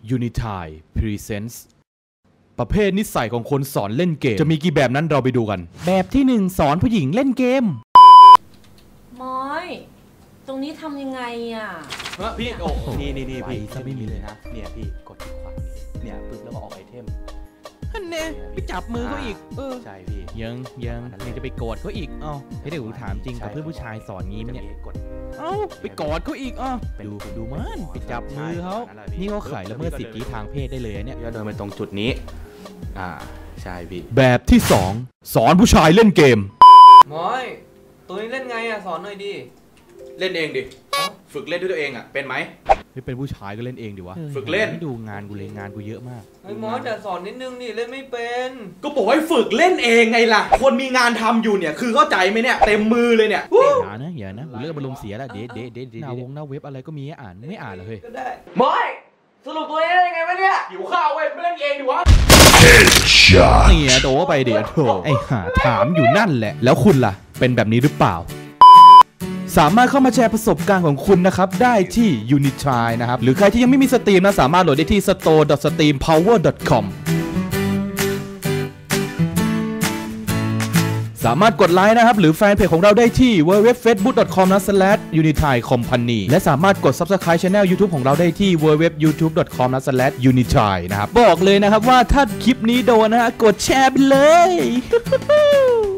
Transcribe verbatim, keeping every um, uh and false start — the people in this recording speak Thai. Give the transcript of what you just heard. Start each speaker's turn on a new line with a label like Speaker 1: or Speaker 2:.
Speaker 1: Unitide Presents ประเภทนิสัยของคนสอนเล่นเกมจะมีกี่แบบนั้นเราไปดูกันแบบที่หนึ่งสอนผู้หญิงเล่นเกม
Speaker 2: มอยตรงนี้ทำยังไงอ่ะ
Speaker 3: พี่โอ้นี่นี่นี่พี่จะไม่มีเลยนะเนี่ยพี่กดที่ขวาเนี่ยปึ๊บแล้วก็ออกไอเทม
Speaker 1: ฮันเน่ไปจับมือเขาอีกเออ
Speaker 3: ใช่พี่
Speaker 1: ยังยังยังจะไปกอดเขาอีกอ้าวให้เด็กถามจริงกับเพื่อนผู้ชายสอนงี้มั้ยเนี่ยเอ้าไปกอดเขาอีกอ้าวดูดูมันไปจับมือเขานี่เขาขายละเมิดสิทธิทางเพศได้เลยเนี่ย
Speaker 3: เดินไปตรงจุดนี้อ่าใช่พี่
Speaker 1: แบบที่สองสอนผู้ชายเล่นเกม
Speaker 4: มอยตัวนี้เล่นไงอ่ะสอนหน่อยดิ
Speaker 3: เล่นเองดิฝึกเล่นด้วยตัวเองอ่ะเป็นไหม
Speaker 1: ไม่เป็นผู้ชายก็เล่นเองดิวะ
Speaker 3: ฝึกเล่น
Speaker 1: ไม่ดูงานกูเลยงานกูเยอะมาก
Speaker 4: ไอ้มอสแต่สอนนิดนึงดิเล่นไม่เป็น
Speaker 3: ก็บอกให้ฝึกเล่นเองไงล่ะคนมีงานทำอยู่เนี่ยคือเข้าใจไหมเนี่ยเต็มมือเลยเนี่ย
Speaker 1: อย่านะอย่านะเลิกอารมณ์เสียแล้วเด็ดเด็ดเด็ดหน้าวงหน้าเว็บอะไรก็มีอ่านไม่อ่านเลย
Speaker 4: ก็ได้มอยสรุปตัวนี้เล่นยังไงวะเนี่ย
Speaker 3: หิวข้าวเว้ยไม่เล่นเองดิวะ
Speaker 1: เนี่ยโดไปเดี๋ยวโถไอ้ห่าถามอยู่นั่นแหละแล้วคุณล่ะเป็นแบบนี้หรือเปล่าสามารถเข้ามาแชร์ประสบการณ์ของคุณนะครับได้ที่ Unitide นะครับหรือใครที่ยังไม่มีสตรีมนะสามารถโหลดได้ที่ สโตร์ ดอท สตรีมพาวเวอร์ ดอท คอม สามารถกดไลค์นะครับหรือแฟนเพจของเราได้ที่ ดับเบิลยู ดับเบิลยู ดับเบิลยู ดอท เฟซบุ๊ก ดอท คอม สแลช ยูนิทาย คอมพานี และสามารถกด ซับสไครบ์ Channel YouTube ของเราได้ที่ ดับเบิลยู ดับเบิลยู ดับเบิลยู ยูทูบ ดอท คอม สแลช ยูนิทาย นะครับบอกเลยนะครับว่าถ้าคลิปนี้โดนนะฮะกดแชร์ไปเลย